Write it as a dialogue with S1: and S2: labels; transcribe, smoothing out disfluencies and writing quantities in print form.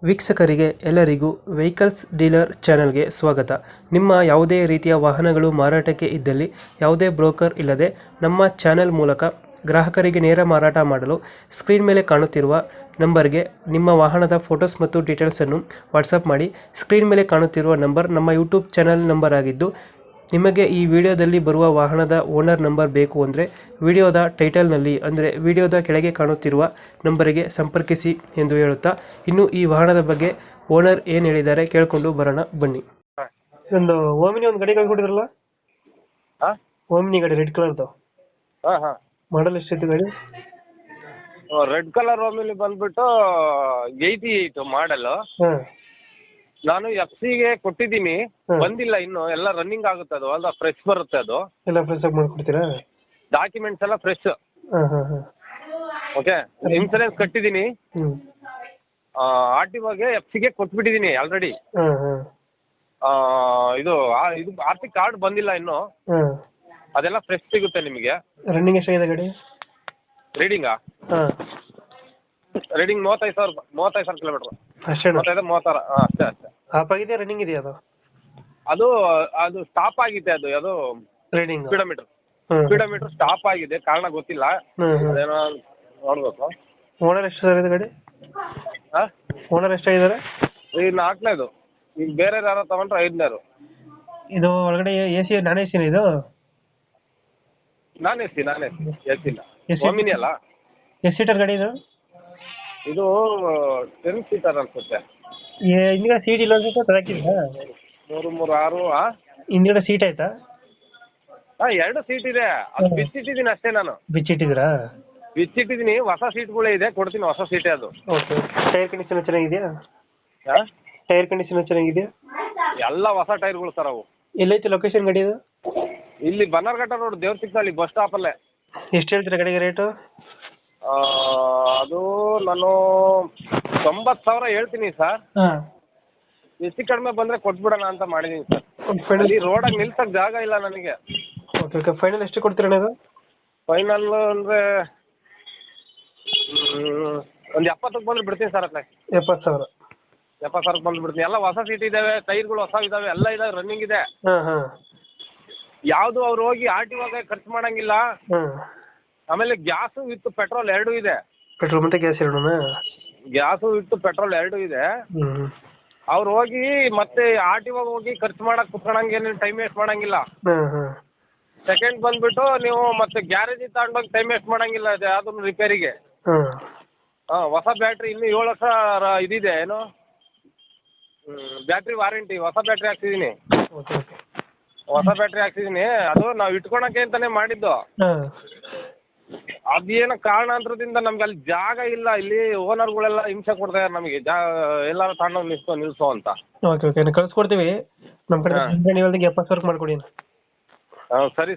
S1: ವೀಕ್ಷಕರಿಗೆ ಎಲ್ಲರಿಗೂ vehicles dealer ಚಾನೆಲ್ಗೆ ಸ್ವಾಗತ. ನಿಮ್ಮ ಯಾವುದೇ ರೀತಿಯ ವಾಹನಗಳು ಮಾರಾಟಕ್ಕೆ ಇದ್ದಲ್ಲಿ ಯಾವುದೇ ಬ್ರೋಕರ್ ಇಲ್ಲದೆ ನಮ್ಮ ಚಾನೆಲ್ ಮೂಲಕ ಗ್ರಾಹಕರಿಗೆ ನೇರ ಮಾರಾಟ ಮಾಡಲು ಸ್ಕ್ರೀನ್ ಮೇಲೆ ಕಾಣುತ್ತಿರುವ ನಂಬರ್ಗೆ ನಿಮ್ಮ ವಾಹನದ ಫೋಟೋಸ್ ಮತ್ತು ಡೀಟೇಲ್ಸನ್ನು ವಾಟ್ಸಪ್ ಮಾಡಿ. ಸ್ಕ್ರೀನ್ ಮೇಲೆ ಕಾಣುತ್ತಿರುವ ನಂಬರ್ ನಮ್ಮ ಯೂಟ್ಯೂಬ್ ಚಾನೆಲ್ ನಂಬರ್ ಆಗಿದ್ದು, ನಿಮಗೆ ಈ ವಿಡಿಯೋದಲ್ಲಿ ಬರುವ ವಾಹನದ ಓನರ್ ನಂಬರ್ ಬೇಕು ಅಂದರೆ ವಿಡಿಯೋದ ಟೈಟಲ್ನಲ್ಲಿ ಅಂದರೆ ವಿಡಿಯೋದ ಕೆಳಗೆ ಕಾಣುತ್ತಿರುವ ನಂಬರಿಗೆ ಸಂಪರ್ಕಿಸಿ ಎಂದು ಹೇಳುತ್ತಾ, ಇನ್ನು ಈ ವಾಹನದ ಬಗ್ಗೆ ಓನರ್ ಏನು ಹೇಳಿದ್ದಾರೆ ಕೇಳಿಕೊಂಡು ಬರೋಣ ಬನ್ನಿ. ಒಂದು ಓಮಿನಿ ಒಂದು ಗಾಡಿ ಕಳ್ಕೊಟ್ಟಿದ್ರಲ್ಲ, ಓಮಿನಿ ಗಾಡಿ ರೆಡ್ ಕಲರ್ದು, ಮಾಡಲ್ ಎಷ್ಟಿತ್ತು ಗಾಡಿ?
S2: ರೆಡ್ ಕಲರ್ ಓಮಿನಿ ಬಂದ್ಬಿಟ್ಟು 88 ಮಾಡಲ್. ನಾನು FC-ಗೆ ಕೊಟ್ಟಿದ್ದೀನಿ, ಬಂದಿಲ್ಲ ಇನ್ನು. ಎಲ್ಲ ರನ್ನಿಂಗ್ ಆಗುತ್ತೆ, ಅದು ಅಲ್ಲ ಫ್ರೆಶ್ ಬರುತ್ತೆ. ಅದು
S1: ಎಲ್ಲ ಫ್ರೆಶ್ ಆಗಿ ಮಾಡ್ಕೊಡ್ತೀರಾ?
S2: ಡಾಕ್ಯುಮೆಂಟ್ಸ್ ಎಲ್ಲ ಫ್ರೆಶ್. ಓಕೆ, ಇನ್ಸೂರೆನ್ಸ್ ಕಟ್ಟಿದ್ದೀನಿ. RTOಗೆ FC-ಗೆ ಕೊಟ್ಬಿಟ್ಟಿದ್ದೀನಿ ಆಲ್ರೆಡಿ. ಇದು RC ಕಾರ್ಡ್ ಬಂದಿಲ್ಲ ಇನ್ನು, ಅದೆಲ್ಲ ಫ್ರೆಶ್ ಸಿಗುತ್ತೆ ನಿಮಗೆ.
S1: ರನ್ನಿಂಗ್ ಎಷ್ಟಾಗಿದೆ ಗಾಡಿ?
S2: ರೀಡಿಂಗಾ? ರೀಡಿಂಗ್ 35,000 ಕಿಲೋಮೀಟರ್
S1: ಅಷ್ಟೇ?
S2: 35-36 ಅಷ್ಟೇ.
S1: ಆಫ್ ಆಗಿದೆ, ರನ್ನಿಂಗ್ ಇದೆಯಾ ಅದು?
S2: ಅದು ಸ್ಟಾಪ್ ಆಗಿದೆ. ಅದು
S1: ರೀಡಿಂಗ್
S2: ಸ್ಪೀಡೋಮೀಟರ್ ಸ್ಟಾಪ್ ಆಗಿದೆ, ಕಾರಣ ಗೊತ್ತಿಲ್ಲ. ಅದೇನೋ ನೋಡ್ಬೇಕು.
S1: ಓನರ್ ಎಷ್ಟಾಗಿದೆ ಗಾಡಿ? ಓನರ್ ಎಷ್ಟಾಗಿದ್ದಾರೆ?
S2: ಈಗ 4ನೇದು. ಈಗ ಬೇರೆ ಯಾರೋ ತಗೊಂಡ್ರೆ 5ನೇದು.
S1: ಇದು ಒಳಗಡೆ AC ನಾನ್ AC ಇದು?
S2: ನಾನ್ AC ಇಲ್ಲ. ಓಮಿನಿ ಅಲ್ಲ.
S1: ಎಷ್ಟು ಸೀಟರ್ ಗಾಡಿ ಇದು?
S2: ಇದು 10 ಸೀಟರ್ ಅನ್ಸುತ್ತೆ.
S1: ಹಿಂದ್ಗಡೆ ಸೀಟ್ ಇಲ್ಲ ಅನ್ಸುತ್ತೆ, ತರಕಿಲ್ಲ?
S2: 3 6.
S1: ಹಿಂದ್ಗಡೆ ಸೀಟ್ ಆಯ್ತಾ?
S2: 2 ಸೀಟ್ ಇದೆ, ಅದು ಬಿಚ್ಚಿಟ್ಟಿದ್ದೀನಿ ಅಷ್ಟೇ. ನಾನು
S1: ಬಿಚ್ಚಿಟ್ಟಿದ್ದೀರಾ?
S2: ಬಿಚ್ಚಿಟ್ಟಿದ್ದೀನಿ. ಹೊಸ ಸೀಟ್ಗಳೇ ಇದೆ, ಕೊಡ್ತೀನಿ. ಹೊಸ ಸೀಟೇ ಅದು.
S1: ಓಕೆ. ಟೈರ್ ಕಂಡೀಷನ್ ಚೆನ್ನಾಗಿದೆಯಾ? ಟೈರ್ ಕಂಡೀಷನ್ ಚೆನ್ನಾಗಿದೆಯಾ?
S2: ಎಲ್ಲ ಹೊಸ ಟೈರ್ಗಳು ಸರ್ ಅವು.
S1: ಎಲ್ಲೈತೆ ಲೊಕೇಶನ್ ಗಾಡಿ ಇದು?
S2: ಇಲ್ಲಿ ಬನ್ನರ್ಘಟ್ಟ ರೋಡ್, ದೇವ್ರಸಿಕ್ನಲ್ಲಿ ಬಸ್ ಸ್ಟಾಪಲ್ಲೇ.
S1: ಎಷ್ಟು ಹೇಳ್ತೀರಾ ಗಾಡಿಗೆ ರೇಟು?
S2: ಅದು ನಾನು 90,000 ಹೇಳ್ತೀನಿ ಸರ್. ಹೆಚ್ಚು ಕಡಿಮೆ ಬಂದರೆ ಕೊಟ್ಬಿಡೋಣ ಅಂತ ಮಾಡಿದ್ದೀನಿ ಸರ್. ಇಲ್ಲಿ ರೋಡಾಗಿ ನಿಲ್ಸಕ್ಕೆ ಜಾಗ ಇಲ್ಲ ನನಗೆ.
S1: Okay okay. ಫೈನಲ್ ಎಷ್ಟು ಕೊಡ್ತೀರಾ ನೀವು?
S2: ಫೈನಲ್ ಅಂದರೆ ಒಂದು 70ಕ್ಕೆ ಬಂದ್ರೆ ಬಿಡ್ತೀನಿ ಸರ್. ಅತ್ತೆ 70,000 ಬಂದು ಬಿಡ್ತೀನಿ. ಎಲ್ಲ ಹೊಸ ಸೀಟ್ ಇದ್ದಾವೆ, ಟೈರ್ಗಳು ಹೊಸ ಇದ್ದಾವೆ, ಎಲ್ಲ ಇದಾವೆ, ರನ್ನಿಂಗ್ ಇದೆ. ಯಾವುದು ಅವ್ರು ಹೋಗಿ RTOಗೆ ಖರ್ಚು ಮಾಡಂಗಿಲ್ಲ. ಆಮೇಲೆ ಗ್ಯಾಸು ವಿತ್ ಪೆಟ್ರೋಲ್ 2 ಇದೆ.
S1: ಪೆಟ್ರೋಲ್ ಮತ್ತೆ ಗ್ಯಾಸ್ ಎರಡೂನಾ?
S2: ಗ್ಯಾಸು ವಿತ್ ಪೆಟ್ರೋಲ್ 2 ಇದೆ. ಅವ್ರು ಹೋಗಿ ಮತ್ತೆ RTOಗೆ ಹೋಗಿ ಖರ್ಚು ಮಾಡಕ್ಕೆ ಕುತ್ಕೊಳಂಗೇನು ಟೈಮ್ ವೇಸ್ಟ್ ಮಾಡಂಗಿಲ್ಲ. ಸೆಕೆಂಡ್ ಬಂದ್ಬಿಟ್ಟು ನೀವು ಮತ್ತೆ ಗ್ಯಾರೇಜಿಗೆ ತಗೊಂಡೋಗಿ ಟೈಮ್ ವೇಸ್ಟ್ ಮಾಡಂಗಿಲ್ಲ ಅದನ್ನು ರಿಪೇರಿಗೆ. ಹೊಸ ಬ್ಯಾಟ್ರಿ ಇನ್ನು 7 ವರ್ಷ ಇದಿದೆ. ಏನು ಬ್ಯಾಟ್ರಿ ವಾರಂಟಿ. ಹೊಸ ಬ್ಯಾಟ್ರಿ ಹಾಕ್ಸಿದ್ದೀನಿ. ಅದು ನಾವು ಇಟ್ಕೊಳಕ್ಕೆ ಅಂತಾನೆ ಮಾಡಿದ್ದು. ಅದೇನೋ ಕಾರಣಾಂತರದಿಂದ ನಮ್ಗೆ ಅಲ್ಲಿ ಜಾಗ ಇಲ್ಲ. ಇಲ್ಲಿ ಓನರ್ಗಳೆಲ್ಲ ಹಿಂಸೆ ಕೊಡ್ತಾರೆ ನಮಗೆ, ಎಲ್ಲಾರು ತಗೊಂಡೋಗಿ ನಿಲ್ಸೋ ಅಂತ.
S1: ಓಕೆ ಓಕೆ, ಕಳ್ಸ್ಕೊಡ್ತೀವಿ. ನಮ್ಮ ಕಡೆ ನೀವು 70,000 ಮಾಡ್ಕೊಡಿ.
S2: ಸರಿ.